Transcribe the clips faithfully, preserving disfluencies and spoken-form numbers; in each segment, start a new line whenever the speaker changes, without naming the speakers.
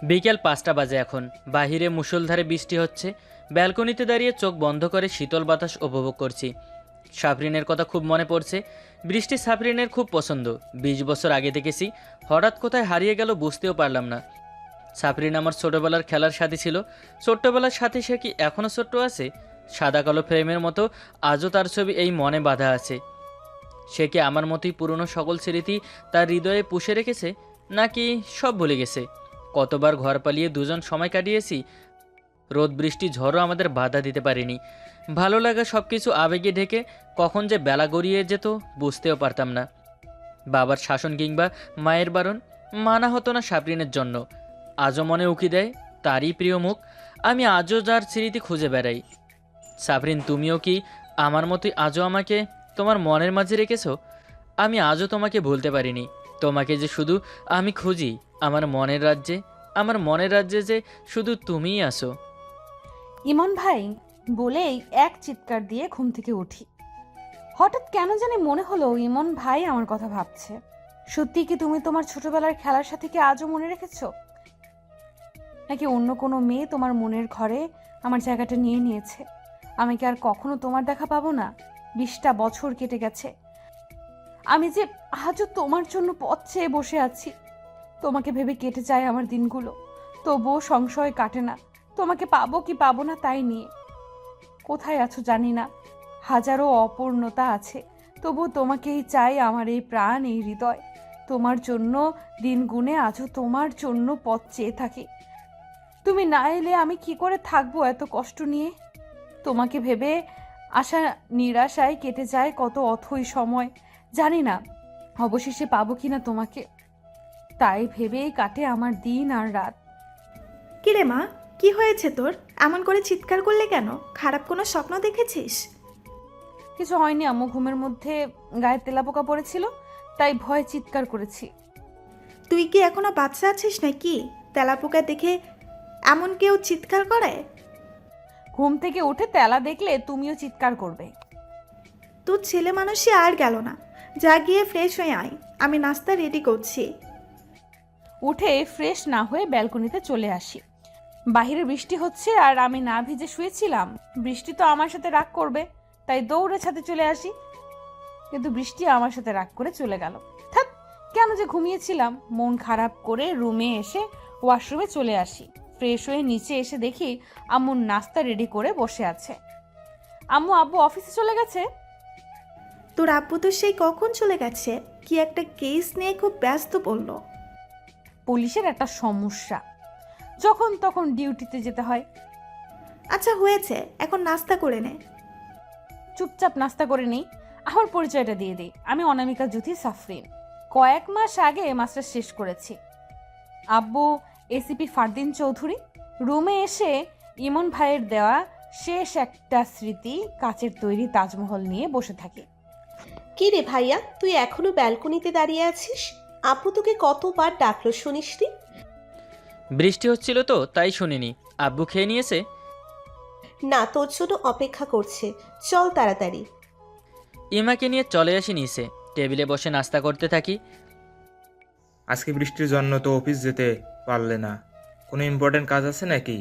বিকেল পাঁচটা বাজে এখন। বাহিরে মুষলধারে বৃষ্টি হচ্ছে। ব্যালকনিতে দাঁড়িয়ে চোখ বন্ধ করে শীতল বাতাস উপভোগ করছি। সাফরিনের কথা খুব মনে পড়ছে। বৃষ্টি সাফরিনের খুব পছন্দ। বিশ বছর আগে দেখেছি, হঠাৎ কোথায় হারিয়ে গেল বুঝতেও পারলাম না। সাফরিন আমার ছোটোবেলার খেলার সাথী ছিল। ছোট্টবেলার সাথে সে কি এখনও ছোট্ট আছে? সাদা কালো ফ্রেমের মতো আজও তার ছবি এই মনে বাঁধা আছে। সে কি আমার মতোই পুরনো সকল স্মৃতি তার হৃদয়ে পুষে রেখেছে, নাকি সব ভুলে গেছে? কতবার ঘর পালিয়ে দুজন সময় কাটিয়েছি। রোদ বৃষ্টি ঝড়ও আমাদের বাধা দিতে পারেনি। ভালো লাগা সব কিছু আবেগে ঢেকে কখন যে বেলা গড়িয়ে যেত বুঝতেও পারতাম না। বাবার শাসন কিংবা মায়ের বারণ মানা হতো না সাবরিনের জন্য। আজও মনে উকি দেয় তারই প্রিয় মুখ। আমি আজও যার স্মৃতি খুঁজে বেড়াই। সাবরিন, তুমিও কি আমার মতোই আজও আমাকে তোমার মনের মাঝে রেখেছো? আমি আজও তোমাকে ভুলতে পারিনি। তোমাকে যে শুধু আমি খুঁজি আমার মনের রাজ্যে। আমার মনের রাজ্যে যে শুধু তুমিই আসো।
ইমন ভাই বলেই এক চিৎকার দিয়ে ঘুম থেকে উঠি। হঠাৎ কেন জানি মনে হলো ইমন ভাই আমার কথা ভাবছে। সত্যি কি তুমি তোমার ছোটবেলার খেলার সাথে কি আজও মনে রেখেছো, নাকি অন্য কোনো মেয়ে তোমার মনের ঘরে আমার জায়গাটা নিয়ে নিয়েছে? আমি কি আর কখনো তোমার দেখা পাবো না? বিশটা বছর কেটে গেছে, আমি যে আজও তোমার জন্য পথ চেয়ে বসে আছি। তোমাকে ভেবে কেটে যায় আমার দিনগুলো, তবুও সংশয় কাটে না তোমাকে পাবো কি পাবো না তাই নিয়ে। কোথায় আছো জানি না, হাজারো অপূর্ণতা আছে, তবু তোমাকেই চাই আমার এই প্রাণ এই হৃদয়। তোমার জন্য দিন গুনে আজও তোমার জন্য পথ চেয়ে থাকি। তুমি না এলে আমি কি করে থাকবো এত কষ্ট নিয়ে? তোমাকে ভেবে আশা নিরাশায় কেটে যায় কত অথই সময়। জানি না অবশেষে পাবো কিনা তোমাকে, তাই ভেবেই কাটে আমার দিন আর রাত।
কিরে মা, কি হয়েছে তোর? এমন করে চিৎকার করলে কেন? খারাপ কোনো স্বপ্ন দেখেছিস?
কিছু হয়নি আম্মু, ঘুমের মধ্যে গায়ে তেলাপোকা পড়েছিল তাই ভয় চিৎকার করেছি।
তুই কি এখনো বাচ্চা আছিস নাকি? তেলাপোকা দেখে এমন কেউ চিৎকার করে?
ঘুম থেকে উঠে তেলা দেখলে তুমিও চিৎকার করবে।
তোর ছেলে মানুষই আর গেল না, যা গিয়ে ফ্রেশ হয়ে আয়, আমি নাস্তা রেডি করছি।
উঠে ফ্রেশ না হয়ে ব্যালকনিতে চলে আসি। বাহিরে বৃষ্টি হচ্ছে আর আমি না ভিজে শুয়েছিলাম। বৃষ্টি তো আমার সাথে রাগ করবে, তাই দৌড়ে ছাদে চলে আসি। কিন্তু বৃষ্টি আমার সাথে রাগ করে চলে গেল। থাক, কেন যে ঘুমিয়েছিলাম। মন খারাপ করে রুমে এসে ওয়াশরুমে চলে আসি। ফ্রেশ হয়ে নিচে এসে দেখি আম্মু নাস্তা রেডি করে বসে আছে। আম্মু আব্বু অফিসে চলে গেছে।
তোর আব্বু তো সেই কখন চলে গেছে, কি একটা কেস নিয়ে খুব ব্যস্ত বললো।
পুলিশের একটা সমস্যা, যখন তখন ডিউটিতে যেতে হয়।
আচ্ছা হয়েছে, এখন নাস্তা করে নে।
চুপচাপ নাস্তা করে নেই। আমার পরিচয়টা দিয়ে দিই, আমি অনামিকা জ্যোতি সাফরিন। কয়েক মাস আগে মাস্টার শেষ করেছি। আব্বু এসিপি ফারদিন চৌধুরী। রুমে এসে ইমন ভাইয়ের দেওয়া শেষ একটা স্মৃতি কাচের তৈরি তাজমহল নিয়ে বসে থাকি।
কি রে ভাইয়া, তুই এখনো ব্যালকনিতে দাঁড়িয়ে আছিস? আপু তোকে কতবার ডাকলো শুনিসনি?
বৃষ্টি হচ্ছিল তো তাই শুনিনি। আব্বু খেয়ে নিয়েছে?
না, তোর জন্য অপেক্ষা করছে, চল তাড়াতাড়ি।
ইমাকে নিয়ে চলে আসি নিচে। টেবিলে বসে নাস্তা করতে থাকি।
আজকে বৃষ্টির জন্য তো অফিস যেতে পারলে না, কোনো ইম্পর্টেন্ট কাজ আছে নাকি?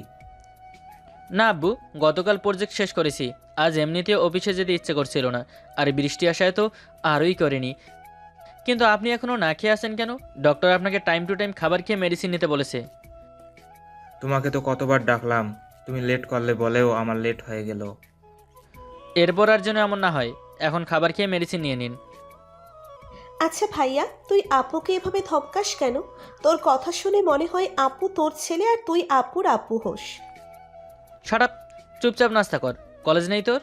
না আব্বু, গতকাল প্রজেক্ট শেষ করেছি। আজ এমনিতেও অফিসে যেতে ইচ্ছে করছিল না, আর বৃষ্টি আসায় তো আরোই করেনি। কিন্তু আপনি এখনও না খেয়ে আসেন কেন? ডক্টর আপনাকে টাইম টু টাইম খাবার খেয়ে মেডিসিন নিতে বলেছে।
তোমাকে তো কতবার ডাকলাম, তুমি লেট করলে বলেও আমার লেট হয়ে গেল।
এরপর আর যেন এমন না হয়। এখন খাবার খেয়ে মেডিসিন নিয়ে নিন।
আচ্ছা ভাইয়া, তুই আপুকে এভাবে ধমকাস কেন? তোর কথা শুনে মনে হয় আপু তোর ছেলে আর তুই আপুর আপু হোস।
শাট আপ, চুপচাপ নাস্তা কর। কলেজ নেই তোর?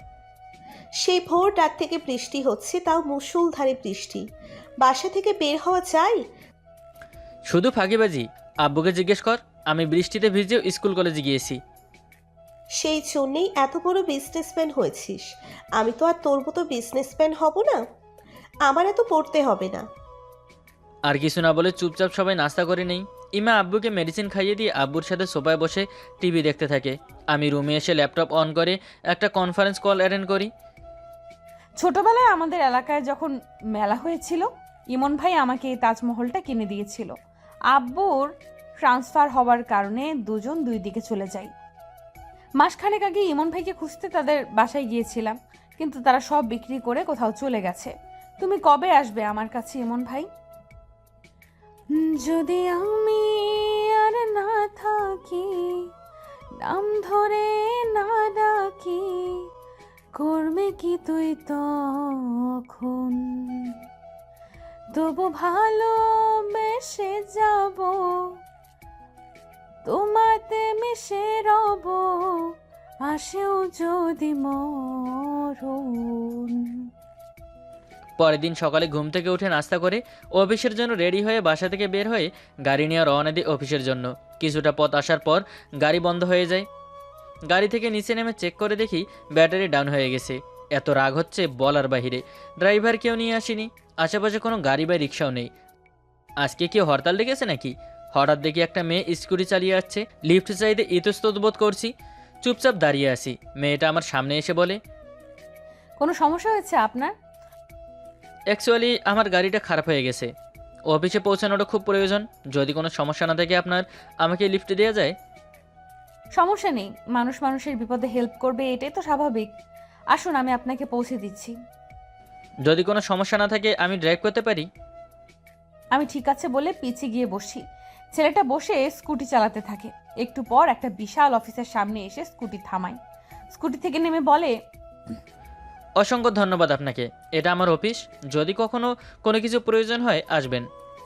সেই ভোর রাত থেকে বৃষ্টি হচ্ছে, তাও মুষলধারে বৃষ্টি। বাসা থেকে বের হওয়া যায়?
শুধু ফাঁকিবাজি। আব্বুকে জিজ্ঞেস কর, আমি বৃষ্টিতে ভিজেও স্কুল কলেজে গিয়েছি।
সেই জন্যেই এত বড় বিজনেসম্যান হয়েছিস। আমি তো আর তোর মতো বিজনেসম্যান হব না, আমার এত পড়তে হবে না।
আর কিছু না বলে চুপচাপ সবাই নাস্তা করে নেই। ইমা আব্বুকে মেডিসিন খাইয়ে দিয়ে আব্বুর সাথে সোফায় বসে টিভি দেখতে থাকে। আমি রুমে এসে ল্যাপটপ অন করে একটা কনফারেন্স কল অ্যাটেন্ড করি।
ছোটবেলায় আমাদের এলাকায় যখন মেলা হয়েছিল, ইমন ভাই আমাকে এই তাজমহলটা কিনে দিয়েছিল। আব্বুর ট্রান্সফার হওয়ার কারণে দুজন দুই দিকে চলে যাই। মাসখানেক আগে ইমন ভাইকে খুঁজতে তাদের বাসায় গিয়েছিলাম, কিন্তু তারা সব বিক্রি করে কোথাও চলে গেছে। তুমি কবে আসবে আমার কাছে ইমন ভাই? যদি আমি আর না থাকি, নাম ধরে না ডাকি, করবে কি তুই তখন? তবু ভালোবেসে যাব, তোমাতে মিশে রব, আসেও যদি মরণ।
পরের দিন সকালে ঘুম থেকে উঠে নাস্তা করে অফিসের জন্য রেডি হয়ে বাসা থেকে বের হয়ে গাড়ি নিয়ে রওনা দিই অফিসের জন্য। কিছুটা পথ আসার পর গাড়ি বন্ধ হয়ে যায়। গাড়ি থেকে নিচে নেমে চেক করে দেখি ব্যাটারি ডাউন হয়ে গেছে। এত রাগ হচ্ছে বলার বাহিরে। ড্রাইভার কেউ নিয়ে আসেনি, আশেপাশে কোনো গাড়ি বা রিক্সাও নেই। আজকে কেউ হরতাল ডেকেছে নাকি? হঠাৎ দেখি একটা মেয়ে স্কুটি চালিয়ে আসছে। লিফট চাইতে ইতস্তত বোধ করছি, চুপচাপ দাঁড়িয়ে আছি। মেয়েটা আমার সামনে এসে বলে,
কোনো সমস্যা হয়েছে আপনার?
অ্যাকচুয়ালি আমার গাড়িটা খারাপ হয়ে গেছে, অফিসে পৌঁছানোটা খুব প্রয়োজন। যদি কোনো সমস্যা না থাকে আপনার, আমাকে লিফট দেওয়া যায়?
সমস্যা নেই, মানুষ মানুষের বিপদে হেল্প করবে, এটাই তো স্বাভাবিক। আসুন, আমি আপনাকে পৌঁছে দিচ্ছি।
যদি কোনো সমস্যা না থাকে আমি ড্রাইভ করতে পারি?
আমি ঠিক আছে বলে পিছিয়ে গিয়ে বসি। ছেলেটা বসে স্কুটি চালাতে থাকে। একটু পর একটা বিশাল অফিসের সামনে এসে স্কুটি থামায়। স্কুটি থেকে নেমে বলে,
অসংখ্য ধন্যবাদ আপনাকে, এটা আমার অফিস। যদি কখনো কোনো কিছু প্রয়োজন হয় আসবেন।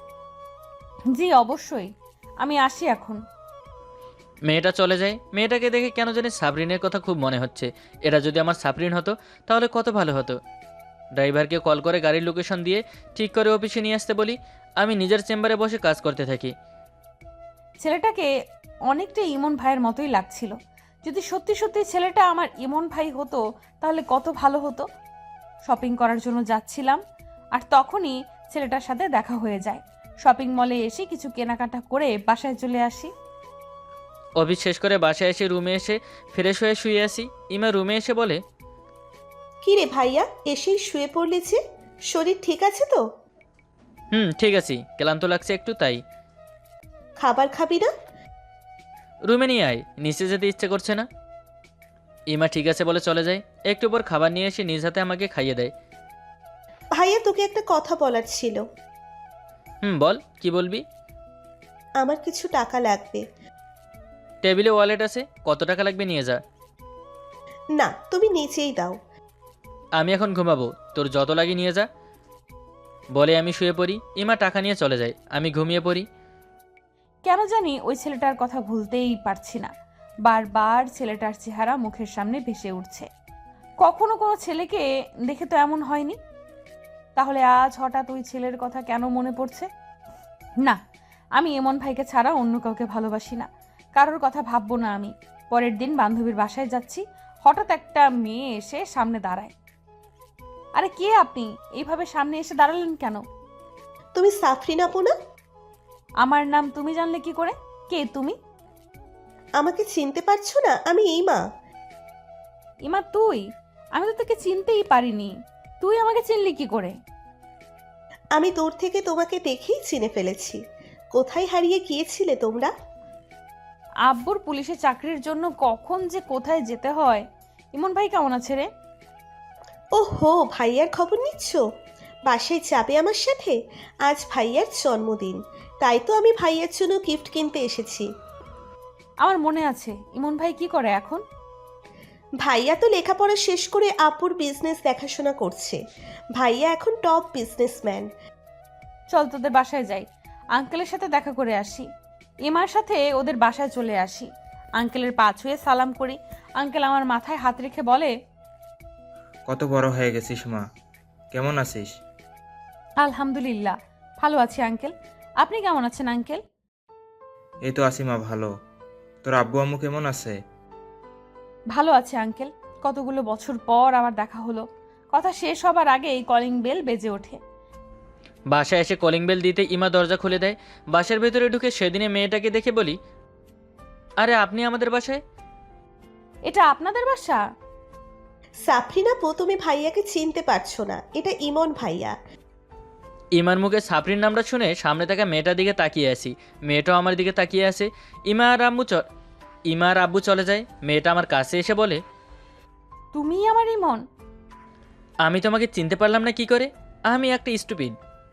জি অবশ্যই, আমি আসি এখন।
মেয়েটা চলে যায়। মেয়েটাকে দেখে কেন জানি সাবরিনের কথা খুব মনে হচ্ছে। এটা যদি আমার সাবরিন হতো তাহলে কত ভালো হতো। ড্রাইভারকে কল করে গাড়ির লোকেশন দিয়ে ঠিক করে অফিসে নিয়ে আসতে বলি। আমি নিজের চেম্বারে বসে কাজ করতে থাকি।
ছেলেটাকে অনেকটা ইমন ভাইয়ের মতোই লাগছিল। যদি সত্যি সত্যি ছেলেটা আমার ইমন ভাই হতো তাহলে কত ভালো হতো। শপিং করার জন্য যাচ্ছিলাম, আর তখনই ছেলেটার সাথে দেখা হয়ে যায়। শপিং মলে এসে কিছু কেনাকাটা করে বাসায় চলে আসি।
অফিস শেষ করে বাসায় এসে রুমে এসে ফ্রেশ হয়ে শুয়ে আসি। ইমা রুমে এসে বলে,
কি রে ভাইয়া, এসেই শুয়ে পড়লি যে? শরীর ঠিক আছে তো?
হুম ঠিক আছি, ক্লান্ত লাগছে একটু তাই।
খাবার খাবি না?
রুমে নিয়ে আয়, নিচে যেতে ইচ্ছে করছে না। ইমা ঠিক আছে বলে চলে যায়। একটু পর খাবার নিয়ে এসে নিজ হাতে আমাকে খাইয়ে দেয়।
ভাইয়া, তোকে একটা কথা বলার ছিল।
হুম বল, কি বলবি?
আমার কিছু টাকা লাগবে।
টেবিলে ওয়ালেট আছে, কত টাকা লাগবে নিয়ে যা।
না, তুমি নিচেই দাও।
আমি এখন ঘুমাবো, তোর যত লাগে নিয়ে যা। বলে আমি শুয়ে পড়ি। ইমা টাকা নিয়ে চলে যায়, আমি ঘুমিয়ে পড়ি।
কেন জানি ওই ছেলেটার কথা ভুলতেই পারছি না। বারবার ছেলেটার চেহারা মুখের সামনে ভেসে উঠছে। কখনো কোনো ছেলেকে দেখে তো এমন হয়নি, তাহলে আজ হঠাৎ ওই ছেলের কথা কেন মনে পড়ছে? না, আমি এমন ভাইকে ছাড়া অন্য কাউকে ভালোবাসি না। কারোর কথা ভাববো না আমি। পরের দিন বান্ধবীর বাসায় যাচ্ছি, হঠাৎ একটা মেয়ে এসে সামনে দাঁড়ায়। আরে কে আপনি? এইভাবে সামনে এসে দাঁড়ালেন কেন?
তুমি সাফরিন আপু না?
আমার নাম তুমি জানলে কি করে? কে তুমি?
আমাকে চিনতে পারছো না? আমি ইমা।
ইমা তুই? আমি তো তোকে চিনতেই পারিনি, তুই আমাকে চিনলি কি করে?
আমি দূর থেকে তোমাকে দেখেই চিনে ফেলেছি। কোথায় হারিয়ে গিয়েছিলে তোমরা?
আব্বুর পুলিশে চাকরির জন্য কখন যে কোথায় যেতে হয়। ইমন ভাই কেমন আছে রে?
ও হো, ভাইয়ার খবর নিচ্ছ? বাসায় যাবে আমার সাথে? আজ ভাইয়ার জন্মদিন, তাই তো আমি ভাইয়ার জন্য গিফট কিনতে এসেছি।
আমার মনে আছে। ইমন ভাই কি করে এখন?
ভাইয়া তো লেখাপড়া শেষ করে আপুর বিজনেস দেখাশোনা করছে। ভাইয়া এখন টপ বিজনেসম্যান।
চল তোদের বাসায় যাই, আঙ্কেলের সাথে দেখা করে আসি। ইমার সাথে ওদের বাসায় চলে আসি। আঙ্কেলের পা ছুঁয়ে সালাম করি। আঙ্কেল আমার মাথায় হাত রেখে বলে,
কত বড় হয়ে গেছিস মা, কেমন আছিস?
আলহামদুলিল্লাহ ভালো আছি আঙ্কেল, আপনি কেমন আছেন আঙ্কেল?
এই তো আছি মা, ভালো। তোর আব্বু আম্মু কেমন আছে?
ভালো আছে আঙ্কেল, কতগুলো বছর পর আবার দেখা হলো। কথা শেষ হবার আগেই কলিং বেল বেজে ওঠে।
বাসায় এসে কলিং বেল দিতে ইমা দরজা খুলে দেয়। বাসার ভেতরে ঢুকে সেদিনে মেয়েটাকে দেখে বলি, আরে আপনি আমাদের বাসায়?
এটা আপনাদের বাসা?
সাফরিন আপু, তুমি ভাইয়াকে চিনতে পারছো না, এটা ইমন ভাইয়া।
ইমার মুখে সাপরিন নামটা শুনে সামনে থাকা মেয়েটার দিকে তাকিয়ে আসি। মেয়েটাও আমার দিকে তাকিয়ে আসে। ইমা আর আম্মু চ ইমা আর আব্বু চলে যায়। মেয়েটা আমার কাছে এসে বলে,
তুমি আমার ইমন?
আমি তোমাকে চিনতে পারলাম না কি করে? আমি একটা স্টুপিড।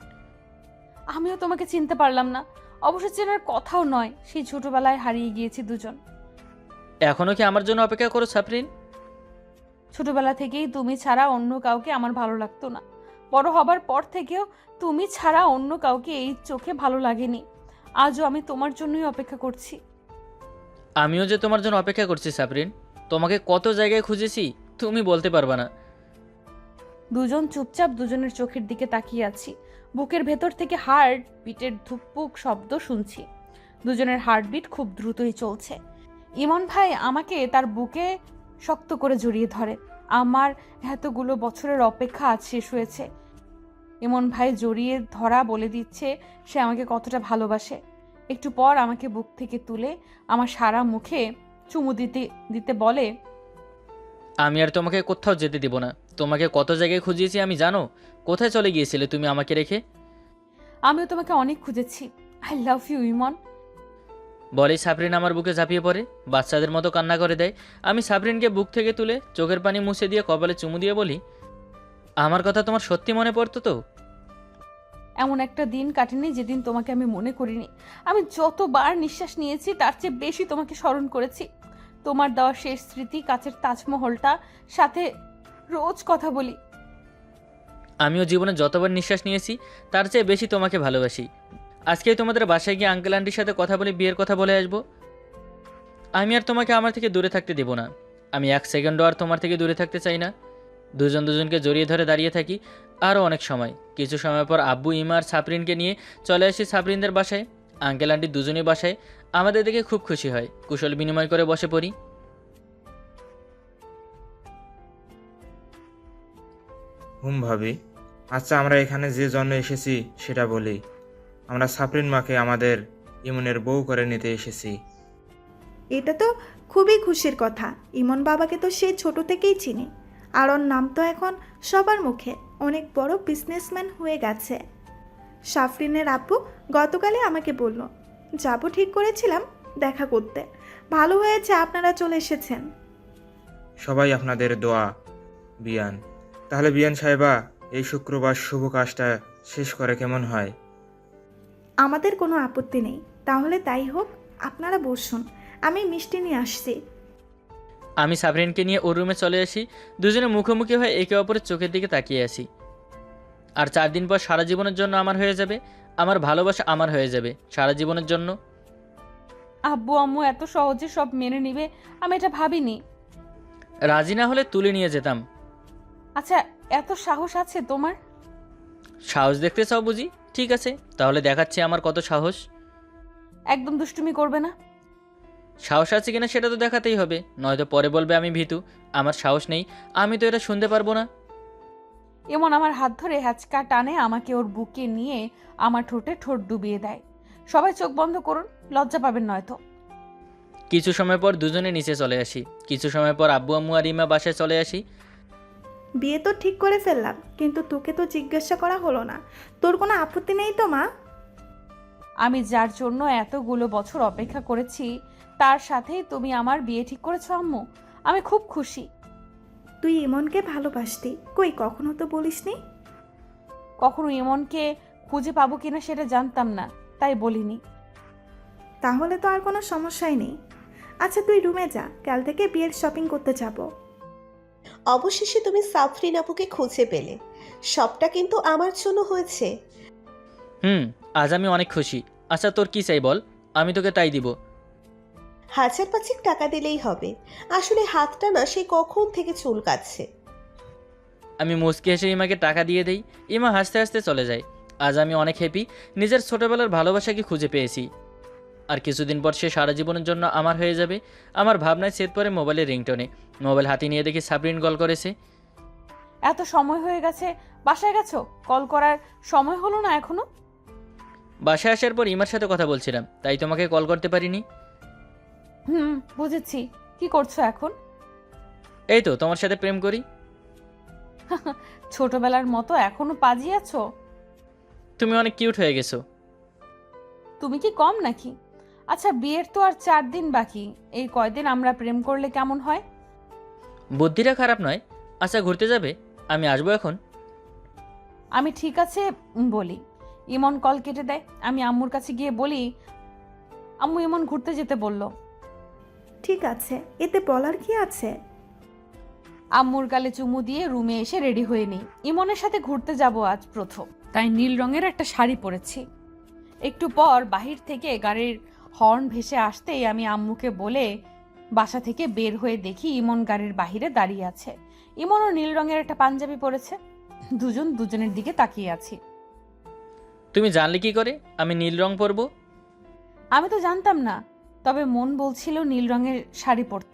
আমিও তোমাকে চিনতে পারলাম না। অবশ্য চেনার কথাও নয়, সেই ছোটবেলায় হারিয়ে গিয়েছি দুজন।
এখনও কি আমার জন্য অপেক্ষা করো সাপরিন?
ছোটবেলা থেকেই তুমি ছাড়া অন্য কাউকে আমার ভালো লাগতো না। বড় হবার পর থেকেও তুমি ছাড়া অন্য কাউকে এই চোখে ভালো লাগেনি। আজও আমি তোমার জন্যই অপেক্ষা করছি।
আমিও যে তোমার জন্য অপেক্ষা করছি সাপরিন। তোমাকে কত জায়গায় খুঁজেছি তুমি বলতে পারবা না।
দুজন চুপচাপ দুজনের চোখের দিকে তাকিয়ে আছি। বুকের ভেতর থেকে হার্ট বিটের ধুকপুক শব্দ শুনছি। দুজনের হার্টবিট খুব দ্রুতই চলছে। ইমন ভাই আমাকে তার বুকে শক্ত করে জড়িয়ে ধরে। আমার এতগুলো বছরের অপেক্ষা আজ শেষ হয়েছে। ইমন ভাই জড়িয়ে ধরা বলে দিচ্ছে সে আমাকে কতটা ভালোবাসে। একটু পর আমাকে বুক থেকে তুলে আমার সারা মুখে চুমু দিতে দিতে বলে,
আমি আর তোমাকে কোথাও যেতে দিব না। তোমাকে কত জায়গায় খুঁজিয়েছি আমি জানো। কোথায় চলে গিয়েছিলে তুমি আমাকে রেখে?
আমিও তোমাকে অনেক খুঁজেছি। I love you Emon.
বলেই সাবরিন আমার বুকে ঝাঁপিয়ে পড়ে, বাচ্চাদের মতো কান্না করে দেয়। আমি সাবরিনকে বুক থেকে তুলে চোখের পানি মুছে দিয়ে কপালে চুমু দিয়ে বলি, আমার কথা তোমার সত্যি মনে পড়তো তো?
এমন একটা দিন কাটেনি যেদিন তোমাকে আমি মনে করিনি। আমি যতবার নিঃশ্বাস নিয়েছি তার চেয়ে বেশি তোমাকে স্মরণ করেছি। তোমার দেওয়া শেষ স্মৃতি, কাচের তাজমহলটা, সাথে রোজ কথা বলি।
আমিও জীবনে যতবার নিঃশ্বাস নিয়েছি তার চেয়ে বেশি তোমাকে ভালোবাসি। আজকেই তোমাদের বাসায় গিয়ে আঙ্কেল আন্টির সাথে কথা বলে বিয়ের কথা বলে আসবো। আমি আর তোমাকে আমার থেকে দূরে থাকতে দেব না। আমি এক সেকেন্ডও আর তোমার থেকে দূরে থাকতে চাই না। দুজন দুজনকে জড়িয়ে ধরে দাঁড়িয়ে থাকি আরও অনেক সময়। কিছু সময় পর আব্বু ইমা আর সাপরিনকে নিয়ে চলে আসি সাপরিনদের বাসায়। আঙ্কেল আন্টি দুজনেই বাসায়। আমাদের দেখে খুব খুশি হয়। কুশল বিনিময় করে বসে পড়ি।
হুম ভাবি, আচ্ছা আমরা এখানে যে জন্য এসেছি সেটা বলি। আমরা সাপরিন মাকে আমাদের ইমনের বউ করে নিতে এসেছি।
এটা তো খুবই খুশির কথা। ইমন বাবাকে তো সে ছোট থেকেই চিনি, আর ওর নাম তো এখন সবার মুখে। অনেক বড় বিজনেসম্যান হয়ে গেছে। সাফরিনের আব্বু গতকালই আমাকে বলল, যাবো ঠিক করেছিলাম দেখা করতে। ভালো হয়েছে আপনারা চলে এসেছেন।
সবাই আপনাদের দোয়া বিয়ান। তাহলে বিয়ান সাহেবা, এই শুক্রবার শুভ কাজটা শেষ করে কেমন হয়?
আমাদের কোনো আপত্তি নেই। তাহলে তাই হোক, আপনারা বসুন, আমি মিষ্টি নিয়ে আসছি।
আমি সাবরিনকে নিয়ে ওর রুমে চলে আসি। দুজনে মুখোমুখি হয়ে একে অপরের চোখের দিকে তাকিয়ে আসি। আর চার দিন পর সারা জীবনের জন্য আমার হয়ে যাবে। আমার ভালোবাসা আমার হয়ে যাবে সারা জীবনের জন্য।
আব্বু আম্মু এত সহজে সব মেনে নিবে আমি এটা ভাবিনি।
রাজি না হলে তুলে নিয়ে যেতাম।
আচ্ছা, এত সাহস আছে তোমার?
সাহস দেখতে চাও বুঝি? ঠিক আছে, তাহলে দেখাচ্ছি আমার কত সাহস।
একদম দুষ্টুমি করবে না।
সাহস আছে কিনা সেটা তো দেখাতেই হবে, নয়তো পরে বলবে আমি ভীতু। আমার সাহস নেই, আমি তো এটা শুনতে পারবো না।
এমন আমার হাত ধরে হ্যাচকা টানে আমাকে ওর বুকে নিয়ে আমার ঠোঁটে ঠোঁট ডুবিয়ে দেয়। সবাই চোখ বন্ধ করুন, লজ্জা পাবেন নয়তো।
কিছু সময় পর দুজনে নিচে চলে আসি। কিছু সময় পর আব্বু আম্মু আর ইমা বাসায় চলে আসি।
বিয়ে তো ঠিক করে ফেললাম, কিন্তু তোকে তো জিজ্ঞাসা করা হলো না। তোর কোনো আপত্তি নেই তো মা?
আমি যার জন্য এতগুলো বছর অপেক্ষা করেছি তার সাথেই তুমি আমার বিয়ে ঠিক করেছো আম্মু। আমি খুব খুশি।
তুই ইমনকে ভালোবাসতি, কই কখনো তো বলিসনি।
কখনো ইমনকে খুঁজে পাবো কিনা সেটা জানতাম না, তাই বলিনি।
তাহলে তো আর কোনো সমস্যাই নেই। আচ্ছা তুই রুমে যা, কাল থেকে বিয়ের শপিং করতে যাব।
অবশেষে তুমি সাফরিন আপুকে খুঁজে পেলে। সবটা কিন্তু আমার জন্য হয়েছে।
হুম, আজ আমি অনেক খুশি। আচ্ছা তোর কি চাই বল, আমি তোকে তাই দিব।
হাজার পাঁচেক টাকা দিলেই হবে। আসলে হাতটা না সেই কখন থেকে চুলকাচ্ছে।
আমি মুচকি হেসে ইমাকে টাকা দিয়ে দেই। ইমা হাসতে হাসতে চলে যায়। আজ আমি অনেক হ্যাপি, নিজের ছোটবেলার ভালোবাসাকে খুঁজে পেয়েছি। আর কিছুদিন পর সে সারা জীবনের জন্য আমার হয়ে যাবে। আমার ভাবনায় সেট পরে মোবাইলের রিংটোনে। মোবাইল হাতে নিয়ে দেখি সাবরিন কল করেছে।
এত সময় হয়ে গেছে, বাসায় গেছো? কল করার সময় হলো না এখনো?
বাসায় আসার পর ইমার সাথে কথা বলছিলাম, তাই তোমাকে কল করতে পারিনি।
হুম, বুঝেছি। কি করছো এখন?
এই তো তোমার সাথে প্রেম করি।
ছোটবেলার মতো এখনো পাজি আছো?
তুমি অনেক কিউট হয়ে গেছো।
তুমি কি কম নাকি? আচ্ছা, বিয়ের তো আর চার দিন বাকি, এই কয়দিন আমরা প্রেম করলে কেমন হয়?
বুদ্ধিটা খারাপ নয়। আচ্ছা, ঘুরতে যাবে? আমি আসবো এখন।
আমি ঠিক আছে বলি, ইমন কল কেটে দেয়। আমি আম্মুর কাছে গিয়ে বলি, আম্মু ইমন ঘুরতে যেতে বলল।
ঠিক আছে, এতে বলার কি আছে?
আম্মুর গালে চুমু দিয়ে রুমে এসে রেডি হয়ে নিই। ইমনের সাথে ঘুরতে যাব আজ প্রথম, তাই নীল রঙের একটা শাড়ি পরেছি। একটু পর বাহির থেকে গাড়ির হর্ন ভেসে আসতেই আমি আম্মুকে বলে বাসা থেকে বের হয়ে দেখি ইমন গাড়ির বাহিরে দাঁড়িয়ে আছে। ইমনও নীল রঙের একটা পাঞ্জাবি পরেছে। দুজন দুজনের দিকে তাকিয়ে আছি।
তুমি জানলে কি করে আমি নীল রং পরবো?
আমি তো জানতাম না, তবে মন বলছিল নীল রঙের শাড়ি পরতে।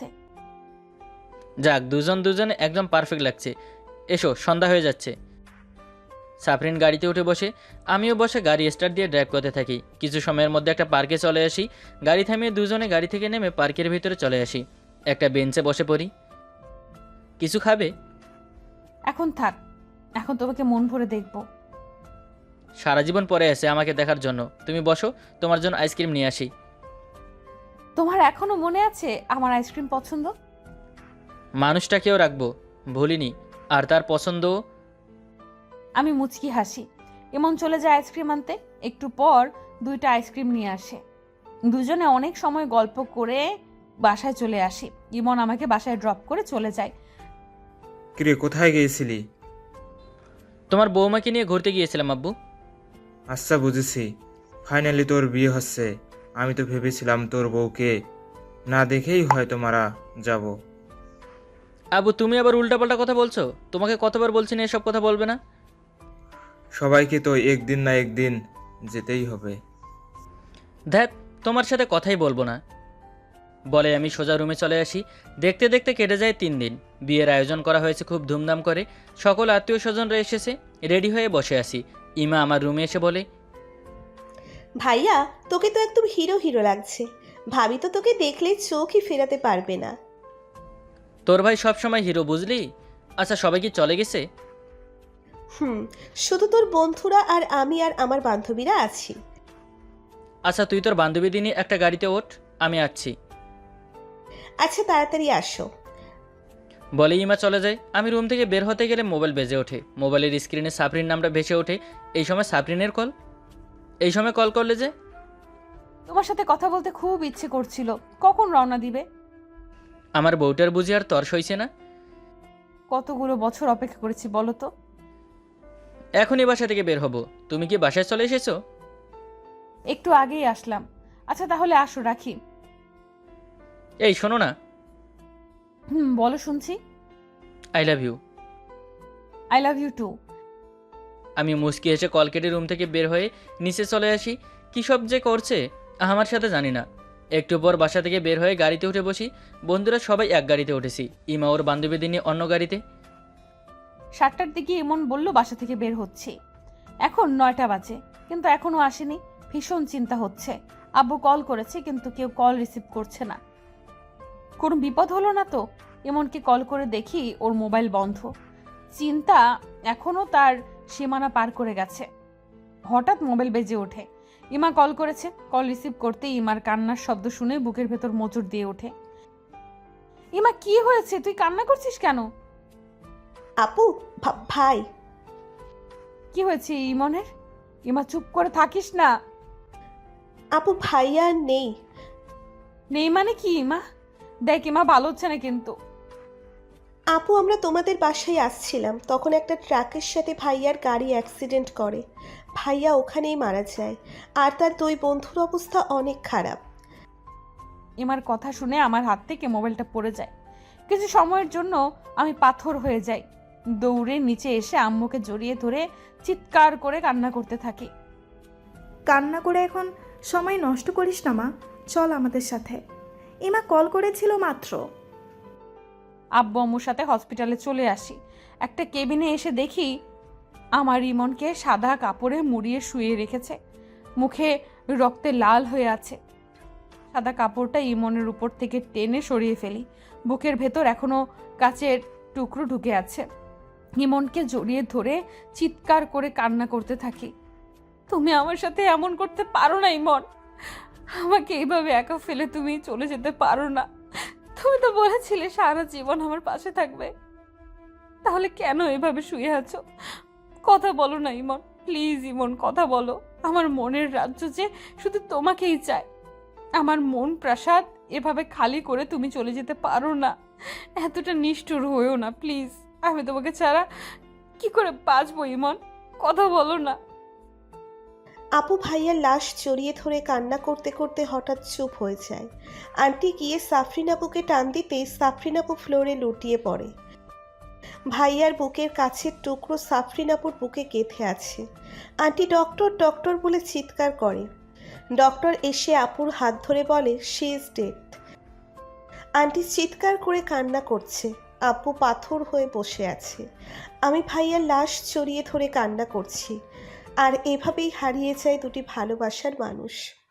যাক, দুজন দুজনে একদম পারফেক্ট লাগছে। এসো, সন্ধ্যা হয়ে যাচ্ছে। সাফরিন গাড়িতে উঠে বসে, আমিও বসে গাড়ি স্টার্ট দিয়ে ড্রাইভ করতে থাকি। কিছু সময়ের মধ্যে একটা পার্কে চলে আসি। গাড়ি থামিয়ে দুজনে গাড়ি থেকে নেমে পার্কের ভিতরে চলে আসি। একটা বেঞ্চে বসে পড়ি। কিছু খাবে?
এখন থাক, এখন তোমাকে মন ভরে দেখবো।
সারা জীবন পরে আছে আমাকে দেখার জন্য। তুমি বসো, তোমার জন্য আইসক্রিম নিয়ে আসি।
তোমার এখনো মনে আছে আমার আইসক্রিম পছন্দ?
মানুষটাকেও রাখবো, ভুলিনি। আর তার পছন্দ।
আমি মুচকি হাসি। ইমন চলে যায় আইসক্রিম আনতে। একটু পর দুইটা আইসক্রিম নিয়ে আসে। দুজনে অনেক সময় গল্প করে বাসায় চলে আসি। ইমন আমাকে বাসায় ড্রপ করে চলে যায়।
কিরে, কোথায় গিয়েছিলি?
তোমার বৌমাকে নিয়ে ঘুরতে গিয়েছিলাম আব্বু।
আচ্ছা, বুঝেছি। ফাইনালি তোর বিয়ে হচ্ছে। আমি তো ভেবেছিলাম তোর বউকে না দেখেই হয়তো মারা যাব।
আব্বু, তুমি আবার উল্টাপাল্টা কথা বলছো। তোমাকে কতবার বলছি না এসব কথা বলবে না।
সবাইকে তো একদিন না একদিন যেতেই হবে।
ধ্যাত, তোমার সাথে কথাই বলবো না বলে আমি সোজা রুমে চলে আসি। দেখতে দেখতে কেটে যায় তিন দিন। বিয়ের আয়োজন করা হয়েছে খুব ধুমধাম করে। সকল আত্মীয় স্বজনরা এসেছে। রেডি হয়ে বসে আছি। ইমা আমার রুমে এসে বলে,
ভাইয়া, তোকে তো একদম হিরো হিরো লাগছে। ভাবি তো তোকে দেখলে চোখই ফেরাতে পারবে না।
তোর ভাই সবসময় হিরো, বুঝলি? আচ্ছা, সবাই কি চলে গেছে?
হুম, শুধু তোর বন্ধুরা আর আমি আর আমার বান্ধবীরা আছি।
আচ্ছা, তুই তোর বান্ধবী নিয়ে একটা গাড়িতে ওঠ, আমি আসছি।
আচ্ছা, তাড়াতাড়ি আসো।
বলে ইমা চলে যায়। আমি রুম থেকে বের হতে গেলে মোবাইল বেজে ওঠে। মোবাইলের স্ক্রিনে সাফরিন নামটা ভেসে ওঠে। এই সময় সাফরিনের কল। এই সময় কল করলে যে?
তোমার সাথে কথা বলতে খুব ইচ্ছে করছিল। কখন রওনা দিবে?
আমার বউটার বুঝি আর তর সইছে না।
কতগুলো বছর অপেক্ষা করেছি বলো তো।
এখনই বাসা থেকে বের হব। তুমি কি বাসায় চলে এসেছো?
একটু আগেই আসলাম। আচ্ছা তাহলে আসো, রাখি।
এই শোনো না।
হুম, বলো, শুনছি।
I love you.
I love you too.
আমি মুচকি এসে কল কেটে রুম থেকে বের হয়ে নিচে চলে আসি। কী সব যে করছে আমার সাথে জানি না। একটু পর বাসা থেকে বের হয়ে গাড়িতে উঠে বসি। বন্ধুরা সবাই এক গাড়িতে উঠেছি। ইমা ওর বান্ধবীদের নিয়ে অন্য গাড়িতে।
সাতটার দিকে এমন বলল বাসা থেকে বের হচ্ছে। এখন নয়টা বাজে, কিন্তু এখনো আসেনি। ভীষণ চিন্তা হচ্ছে। আব্বু কল করেছে, কিন্তু কেউ কল রিসিভ করছে না। কোনো বিপদ হলো না তো? এমনকি কল করে দেখি ওর মোবাইল বন্ধ। চিন্তা এখনো তার সীমানা পার করে গেছে। হঠাৎ মোবাইল বেজে ওঠে। ইমা কল করেছে। কল রিসিভ করতেই ইমার কান্নার শব্দ শুনে বুকের ভেতর মোচড় দিয়ে ওঠে। ইমা, কি হয়েছে? তুই কান্না করছিস কেন?
আপু, ভা- ভাই।
কি হয়েছে ইমনের? ইমা, চুপ করে থাকিস না।
আপু, ভাইয়া আর নেই।
নেই মানে কি ইমা? দেখ ইমা, ভালো হচ্ছে না কিন্তু।
আপু, আমরা তোমাদের বাসায় আসছিলাম, তখন একটা ট্রাকের সাথে ভাইয়ার গাড়ি অ্যাক্সিডেন্ট করে। ভাইয়া ওখানেই মারা যায়। আর তার দুই বন্ধুর অবস্থা অনেক খারাপ।
ইমার কথা শুনে আমার হাত থেকে মোবাইলটা পড়ে যায়। কিছু সময়ের জন্য আমি পাথর হয়ে যাই। দৌড়ে নিচে এসে আম্মুকে জড়িয়ে ধরে চিৎকার করে কান্না করতে থাকি।
কান্না করে এখন সময় নষ্ট করিস না মা, চল আমাদের সাথে। ইমা কল করেছিল মাত্র।
আব্বু আম্মুর সাথে হসপিটালে চলে আসি। একটা কেবিনে এসে দেখি আমার ইমনকে সাদা কাপড়ে মুড়িয়ে শুয়ে রেখেছে। মুখে রক্তে লাল হয়ে আছে। সাদা কাপড়টা ইমনের উপর থেকে টেনে সরিয়ে ফেলি। বুকের ভেতর এখনো কাচের টুকরো ঢুকে আছে। ইমনকে জড়িয়ে ধরে চিৎকার করে কান্না করতে থাকি। তুমি আমার সাথে এমন করতে পারো না ইমন। আমাকে এইভাবে একা ফেলে তুমি চলে যেতে পারো না। তুমি তো বলেছিলে সারা জীবন আমার পাশে থাকবে, তাহলে কেন এভাবে শুয়ে আছো? কথা বলো না ইমন, প্লিজ ইমন, কথা বলো। আমার মনের রাজ্য যে শুধু তোমাকেই চায়। আমার মন প্রাসাদ এভাবে খালি করে তুমি চলে যেতে পারো না। এতটা নিষ্ঠুর হয়েও না প্লিজ। আমি তোমাকে ছাড়া কি করে বাঁচবো ইমন? কথা বলো না।
আপু ভাইয়ার লাশ জড়িয়ে ধরে কান্না করতে করতে হঠাৎ চুপ হয়ে যায়। আন্টি গিয়ে সাফরিন আপুকে টান দিতেই সাফরিন আপু ফ্লোরে লুটিয়ে পড়ে। ভাইয়ার বুকের কাছের টুকরো সাফরিন আপুর বুকে গেঁথে আছে। আন্টি ডক্টর ডক্টর বলে চিৎকার করে। ডক্টর এসে আপুর হাত ধরে বলে শি ইজ ডেড। আন্টি চিৎকার করে কান্না করছে। আপু পাথর হয়ে বসে আছে। আমি ভাইয়ার লাশ জড়িয়ে ধরে কান্না করছি। আর এভাবেই হারিয়ে যায় দুটি ভালোবাসার মানুষ।